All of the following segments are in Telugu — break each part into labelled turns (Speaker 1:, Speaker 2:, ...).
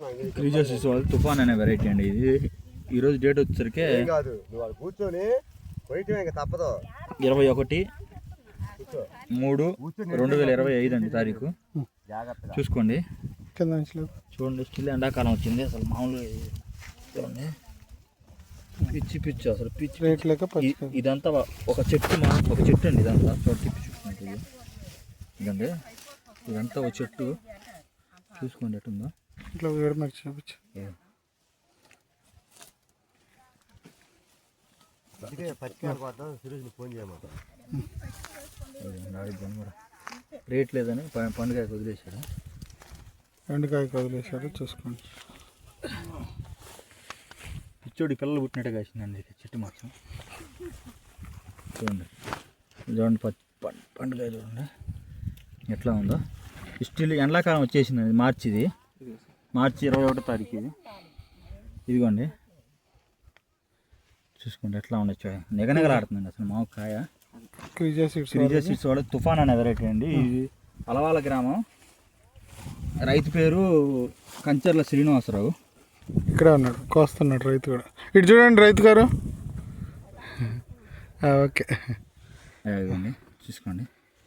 Speaker 1: క్రీజర్స్ వాళ్ళు తుఫాన్ అనే వెరైటీ అండి. ఇది ఈరోజు డేట్ వచ్చేసరికి 21/3/2025 అండి తారీఖు. చూసుకోండి చూడండి, స్టిల్ ఎండాకాలం వచ్చింది. అసలు మామూలుగా చూడండి, పిచ్చి పిచ్చి అసలు పిచ్చి ఇదంతా ఒక చెట్టు అండి. ఇదంతా చూడండి చూసుకుంటుంది ఇదండి. ఇదంతా ఒక చెట్టు చూసుకోండి ఎట్టుందో. ఇట్లా వేడి మరి చూపించు. రేట్ లేదని పండుగకి వదిలేశాడు. చూసుకోండి. పిచ్చోడి పిల్లలు పుట్టినట్టుగా వచ్చిందండి చెట్టు మాత్రం. చూడండి పండుగ చూడండి ఎట్లా ఉందో. స్టిల్ ఎండాకాలం వచ్చేసిందండి. మార్చి 21వ తారీఖు ఇది. ఇదిగోండి చూసుకోండి ఎట్లా ఉండొచ్చు. నిగనిగలాడుతుందండి అసలు మాకు కాయ. క్రీజర్ సీడ్స్ వాళ్ళు తుఫాన్ అనే వెరైటీ అండి. ఇది అలవాల గ్రామం. రైతు పేరు కంచర్ల శ్రీనివాసరావు. ఇక్కడ ఉన్నాడు, కోస్తున్నాడు రైతు కూడా. ఇటు చూడండి రైతు గారు. ఓకే ఇదిగోండి చూసుకోండి.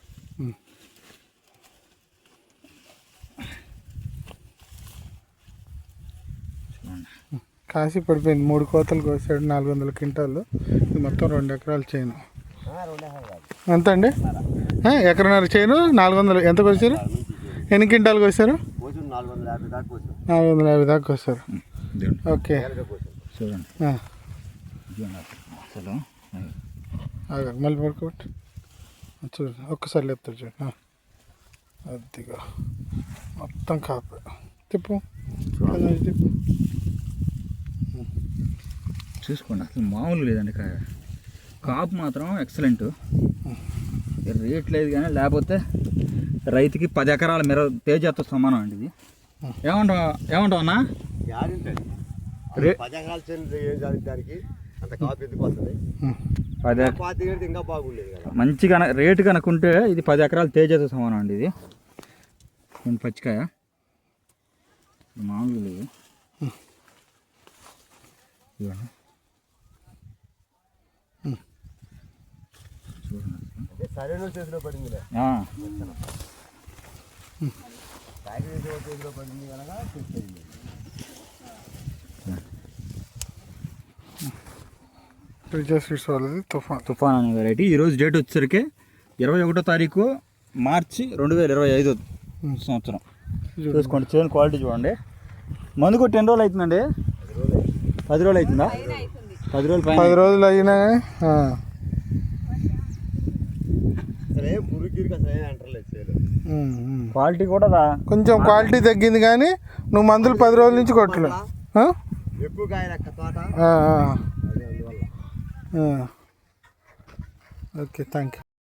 Speaker 1: కాసి పడిపోయింది. 3 కోతలు కోసాడు, 400 క్వింటాలు. ఇది మొత్తం 2 ఎకరాలు చేను. ఎంత అండి? ఎకరన్నర చేను 400. ఎంత కోసారు? ఎన్ని క్వింటాలు కోసారు? 450 దాకా కోసారు. ఓకే చూడండి. మళ్ళీ పడుకోబట్టి చూడండి, ఒక్కసారి లేపుతారు చూడండి. అదిగా మొత్తం కాపు తిప్పు తిప్పు. చూసుకోండి అసలు మామూలు లేదండి కాపు మాత్రం ఎక్సలెంట్. రేట్ లేదు కానీ లేకపోతే రైతుకి 10 ఎకరాల తేజతో సమానం అండి ఇది. ఏమంటావు అన్నా? మంచిగా రేటు కనుక్కుంటే ఇది 10 ఎకరాల తేజతో సమానం అండి ఇది. పచ్చికాయ మామూలు లేదు. తుఫాన్ అనే వెరైటీ. ఈరోజు డేట్ వచ్చేసరికి 21వ తారీఖు మార్చి 2025 సంవత్సరం. చూసుకోండి చేను క్వాలిటీ చూడండి. మందు కొట్టి ఎన్ని రోజులు అవుతుందండి? 10 రోజులు అవుతుందా? 10 రోజులు అయినా. క్వాలిటీ కూడా కొంచెం క్వాలిటీ తగ్గింది కానీ నువ్వు మందులు 10 రోజుల నుంచి కొట్టలేదు. Okay thank you.